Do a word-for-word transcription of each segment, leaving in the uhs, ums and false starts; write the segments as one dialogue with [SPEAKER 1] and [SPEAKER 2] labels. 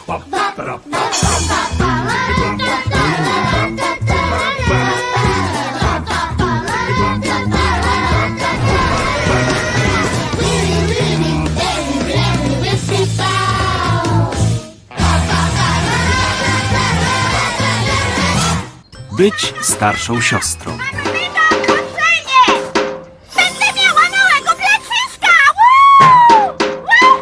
[SPEAKER 1] Być starszą siostrą.
[SPEAKER 2] Będę miała małego placyska! Woo! Woo!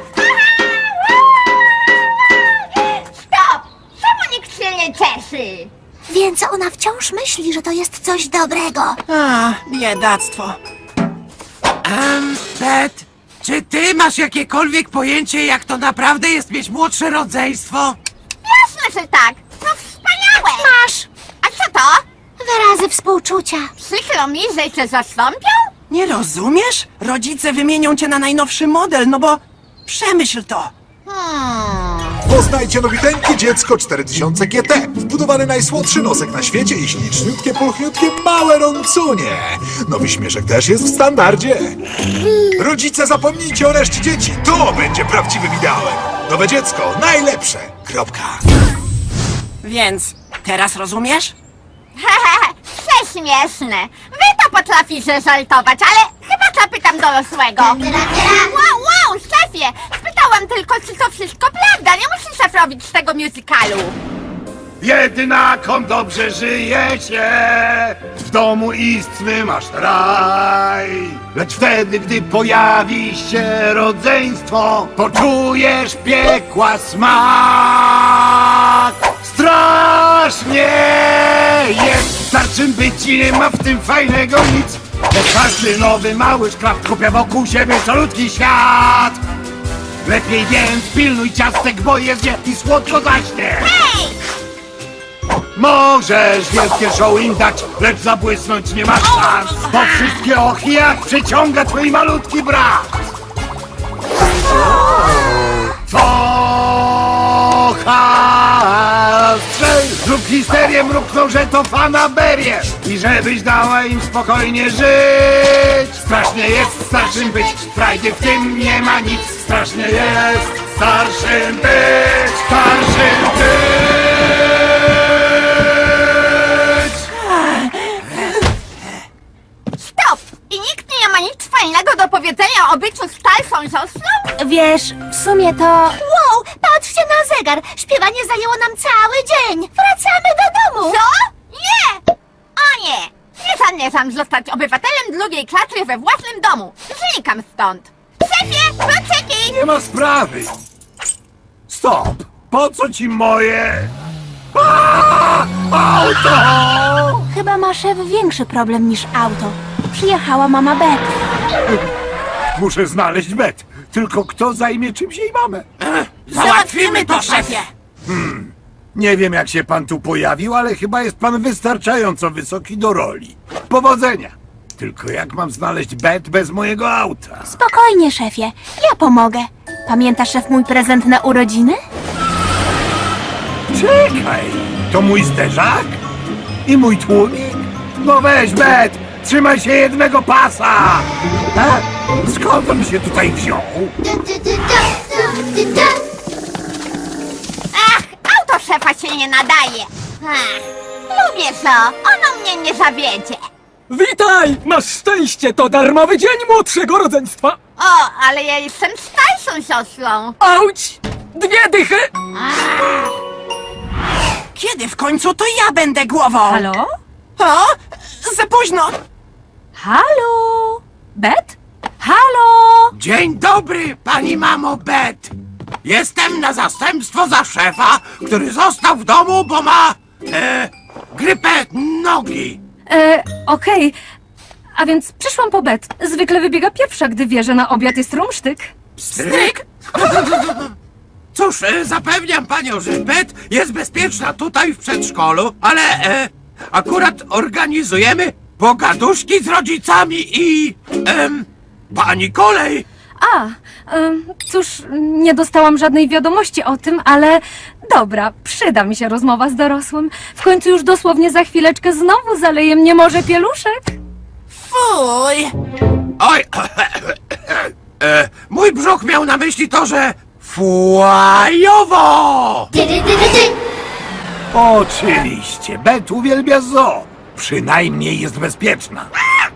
[SPEAKER 2] Stop! Czemu nikt się nie cieszy?
[SPEAKER 3] Więc ona wciąż myśli, że to jest coś dobrego.
[SPEAKER 4] A, biedactwo.
[SPEAKER 5] Em, Bet, czy ty masz jakiekolwiek pojęcie, jak to naprawdę jest mieć młodsze rodzeństwo?
[SPEAKER 2] Jasne, że tak! No wspaniałe!
[SPEAKER 3] Masz
[SPEAKER 2] A co to?
[SPEAKER 3] wyrazy współczucia.
[SPEAKER 2] Przykro mi, że cię zastąpią?
[SPEAKER 4] Nie rozumiesz? Rodzice wymienią cię na najnowszy model, no bo przemyśl to.
[SPEAKER 2] Hmm.
[SPEAKER 6] Poznajcie nowiteńkie dziecko cztery tysiące G T. Wbudowany najsłodszy nosek na świecie i śliczniutkie, pulchniutkie, małe rącunie. Nowy śmieszek też jest w standardzie. Rodzice, zapomnijcie o reszcie dzieci. To będzie prawdziwym ideałem. Nowe dziecko, najlepsze. Kropka.
[SPEAKER 4] Więc teraz rozumiesz?
[SPEAKER 2] Hehehe, prześmieszne. Wy to potraficie żartować, ale chyba zapytam dorosłego. Wow, wow, szefie! Spytałam tylko, czy to wszystko prawda. Nie musisz szef robić z tego musicalu.
[SPEAKER 7] Jednakom dobrze żyje się, w domu istny masz raj. Lecz wtedy, gdy pojawi się rodzeństwo, poczujesz piekła smak. Strasznie jest starszym być i nie ma w tym fajnego nic. Bo każdy nowy mały szkraft kupia wokół siebie calutki świat. Lepiej więc pilnuj ciastek, bo jest je i słodko zaśnie.
[SPEAKER 2] Hej!
[SPEAKER 7] Możesz wielkie show im dać, lecz zabłysnąć nie masz szans. Bo wszystkie ochy jak przyciąga twój malutki brat. Co strzel, zrób histerię, mrukną, że to fanaberie. I żebyś dała im spokojnie żyć. Strasznie jest starszym być, frajdy w tym nie ma nic. Strasznie jest starszym być, starszym być.
[SPEAKER 2] Stop! I nikt nie ma nic fajnego do powiedzenia o byciu starszą siostrą?
[SPEAKER 3] Wiesz, w sumie to... Wow, patrzcie na zegar. Śpiewanie zajęło nam cały dzień. Wracamy do domu.
[SPEAKER 2] Co? Nie! O nie! Nie zamierzam zostać obywatelem drugiej klasy we własnym domu. Znikam stąd. Szefie, kluczyki!
[SPEAKER 7] Nie ma sprawy. Stop! Po co ci moje... Aaa! Auto!
[SPEAKER 3] Chyba ma szef większy problem niż auto. Przyjechała mama Bet.
[SPEAKER 7] Muszę znaleźć Bet. Tylko kto zajmie czymś jej mamę?
[SPEAKER 4] Załatwimy to, szefie!
[SPEAKER 7] Nie wiem, jak się pan tu pojawił, ale chyba jest pan wystarczająco wysoki do roli. Powodzenia! Tylko jak mam znaleźć Bet bez mojego auta?
[SPEAKER 3] Spokojnie, szefie. Ja pomogę. Pamiętasz, szef, mój prezent na urodziny?
[SPEAKER 7] Czekaj! To mój zderzak? I mój tłumik? No weź, Bet! Trzymaj się jednego pasa! A? Skąd on się tutaj wziął?
[SPEAKER 2] Ach, auto szefa się nie nadaje. Ach, lubię to. Ono mnie nie zawiedzie.
[SPEAKER 8] Witaj! Masz szczęście, to darmowy dzień młodszego rodzeństwa!
[SPEAKER 2] O, ale ja jestem starszą siostrą.
[SPEAKER 8] Auć! Dwie dychy!
[SPEAKER 4] Kiedy w końcu to ja będę głową?
[SPEAKER 9] Halo?
[SPEAKER 4] O, za późno!
[SPEAKER 9] Halo? Bet? Halo?
[SPEAKER 5] Dzień dobry, pani mamo Bet. Jestem na zastępstwo za szefa, który został w domu, bo ma... E, grypę nogi.
[SPEAKER 9] E, okej. A więc przyszłam po Bet. Zwykle wybiega pierwsza, gdy wie, że na obiad jest rumsztyk.
[SPEAKER 5] Stryk? Cóż, e, zapewniam panią, że Bet jest bezpieczna tutaj w przedszkolu, ale e, akurat organizujemy pogaduszki z rodzicami i... Em, pani kolej.
[SPEAKER 9] A, em, cóż, nie dostałam żadnej wiadomości o tym, ale dobra, przyda mi się rozmowa z dorosłym. W końcu już dosłownie za chwileczkę znowu zaleje mnie morze pieluszek.
[SPEAKER 4] Fuj!
[SPEAKER 5] Oj, e, mój brzuch miał na myśli to, że Fłajowo!
[SPEAKER 7] Oczywiście, Bet uwielbia zoo. Przynajmniej jest bezpieczna.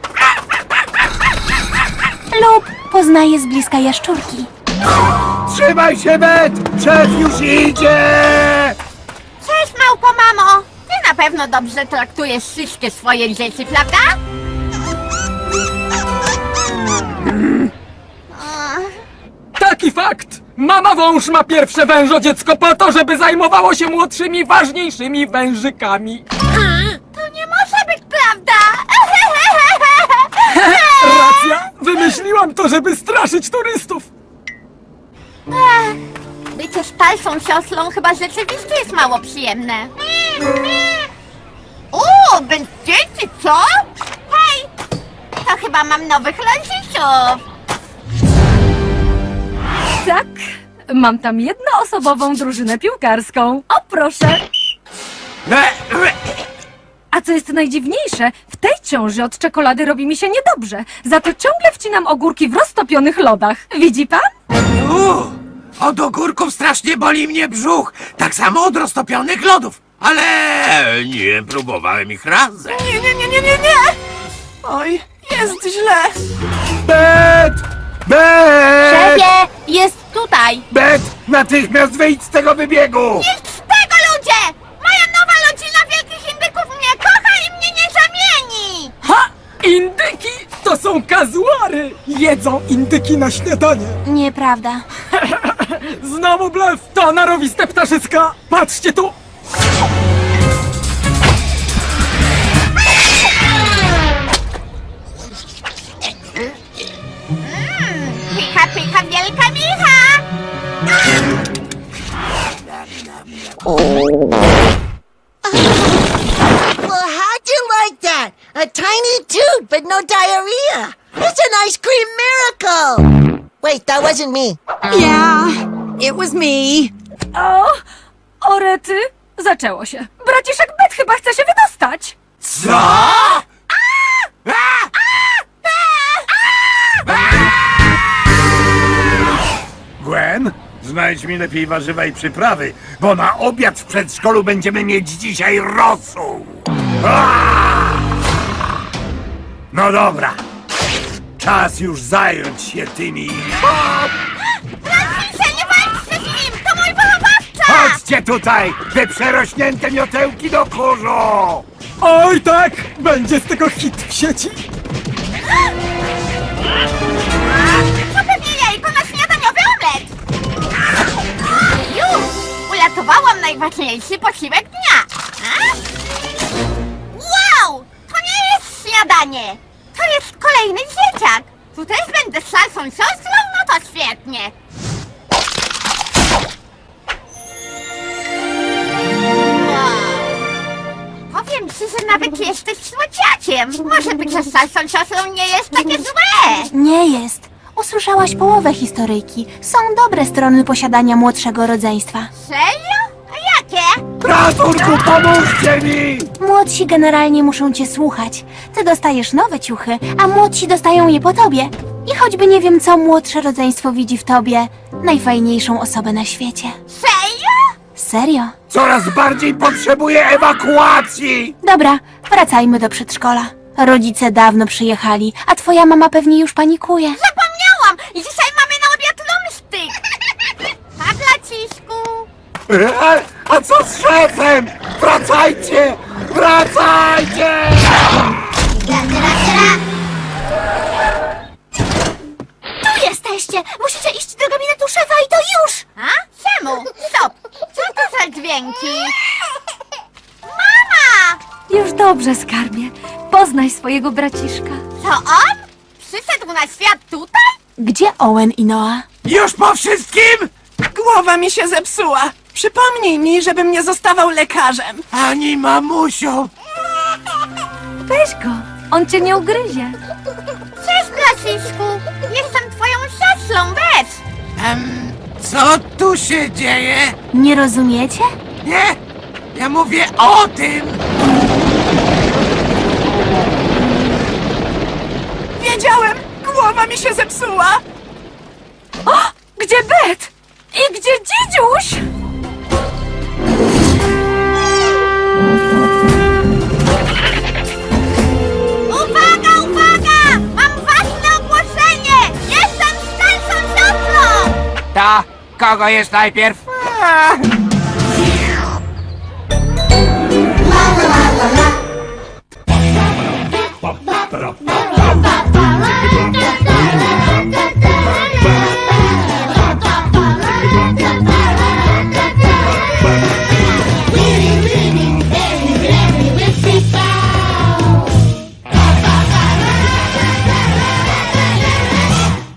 [SPEAKER 3] Lub poznaje z bliska jaszczurki.
[SPEAKER 7] Trzymaj się, Bet! Szef już idzie!
[SPEAKER 2] Cześć, małpo mamo! Ty na pewno dobrze traktujesz wszystkie swoje dzieci, prawda?
[SPEAKER 8] Taki fakt! Mama wąż ma pierwsze wężodziecko po to, żeby zajmowało się młodszymi, ważniejszymi wężykami.
[SPEAKER 2] To nie może być prawda!
[SPEAKER 8] Racja! Wymyśliłam to, żeby straszyć turystów.
[SPEAKER 2] Bycie starszą siostrą chyba rzeczywiście jest mało przyjemne. O, bez dzieci, co? Hej! To chyba mam nowych rodziców.
[SPEAKER 9] Tak, mam tam jednoosobową drużynę piłkarską. O, proszę.
[SPEAKER 5] E, e,
[SPEAKER 9] A co jest najdziwniejsze, w tej ciąży od czekolady robi mi się niedobrze. Za to ciągle wcinam ogórki w roztopionych lodach. Widzi pan?
[SPEAKER 5] u, Od ogórków strasznie boli mnie brzuch. Tak samo od roztopionych lodów. Ale nie próbowałem ich razem.
[SPEAKER 4] Nie, nie, nie, nie, nie, nie! Oj, jest źle.
[SPEAKER 7] Bet! Bet!
[SPEAKER 2] Szefie, jest tutaj.
[SPEAKER 7] Bet! Natychmiast wyjdź z tego wybiegu!
[SPEAKER 2] Nic z tego, ludzie! Moja nowa rodzina wielkich indyków mnie kocha i mnie nie zamieni!
[SPEAKER 8] Ha! Indyki to są kazuary! Jedzą indyki na śniadanie.
[SPEAKER 3] Nieprawda.
[SPEAKER 8] Znowu blef, to narowiste ptaszyska. Patrzcie tu!
[SPEAKER 2] Pycha, pycha, wielka micha!
[SPEAKER 10] Well, how'd you like that? A tiny toot, but no diarrhea. It's an ice cream miracle. Wait, that wasn't me.
[SPEAKER 11] Yeah, it was me.
[SPEAKER 9] O, orety, zaczęło się. Braciszek Bet chyba chce się wydostać.
[SPEAKER 5] Co?
[SPEAKER 7] Gwen, znajdź mi lepiej warzywa i przyprawy, bo na obiad w przedszkolu będziemy mieć dzisiaj rosół. Aaa! No dobra. Czas już zająć się tymi.
[SPEAKER 2] Francisze, nie walczcie z nim! To mój wychowawca!
[SPEAKER 7] Chodźcie tutaj, wy przerośnięte miotełki do kurzu!
[SPEAKER 8] Oj tak! Będzie z tego hit w sieci.
[SPEAKER 2] To pewnie jajko na śniadaniowy omlet! Już! Uratowałam najważniejszy posiłek dnia! A? Wow! To nie jest śniadanie! To jest kolejny dzieciak! Tu też będę starszą siostrą? No to świetnie! Wow. Powiem ci, że nawet jesteś słodziakiem! Może bycie starszą siostrą nie jest takie złe!
[SPEAKER 3] Nie jest. Usłyszałaś połowę historyjki. Są dobre strony posiadania młodszego rodzeństwa.
[SPEAKER 2] Serio? A jakie?
[SPEAKER 7] Ratunku, pomóżcie mi!
[SPEAKER 3] Młodsi generalnie muszą cię słuchać. Ty dostajesz nowe ciuchy, a młodsi dostają je po tobie. I choćby nie wiem, co młodsze rodzeństwo widzi w tobie, najfajniejszą osobę na świecie.
[SPEAKER 2] Serio?
[SPEAKER 3] Serio?
[SPEAKER 7] Coraz bardziej potrzebuję ewakuacji!
[SPEAKER 3] Dobra, wracajmy do przedszkola. Rodzice dawno przyjechali, a twoja mama pewnie już panikuje.
[SPEAKER 2] Zapomniałam! Dzisiaj mamy na obiad lumsztyk! Tak, Lacisku!
[SPEAKER 7] E, a co z szefem? Wracajcie! Wracajcie!
[SPEAKER 3] Tu jesteście! Musicie iść do gabinetu szefa i to już!
[SPEAKER 2] A? Czemu? Stop! Co to za dźwięki? Mama!
[SPEAKER 9] Już dobrze, skarbie. Poznaj swojego braciszka.
[SPEAKER 2] To on? Przyszedł na świat tutaj?
[SPEAKER 3] Gdzie Owen i Noah?
[SPEAKER 5] Już po wszystkim?
[SPEAKER 4] Głowa mi się zepsuła. Przypomnij mi, żebym nie zostawał lekarzem.
[SPEAKER 5] Ani mamusią.
[SPEAKER 9] Weź go, on cię nie ugryzie.
[SPEAKER 2] Cześć, Lacisku! Jestem twoją siostrą, weź!
[SPEAKER 5] Em, co tu się dzieje?
[SPEAKER 3] Nie rozumiecie?
[SPEAKER 5] Nie? Ja mówię o tym!
[SPEAKER 4] Wiedziałem! Głowa mi się zepsuła!
[SPEAKER 9] Gdzie Bet? I gdzie dzidziuś?
[SPEAKER 2] Uwaga, uwaga! Mam ważne ogłoszenie! Jestem starszą siostrą!
[SPEAKER 5] To kogo jest najpierw?
[SPEAKER 7] Pa, para, pa.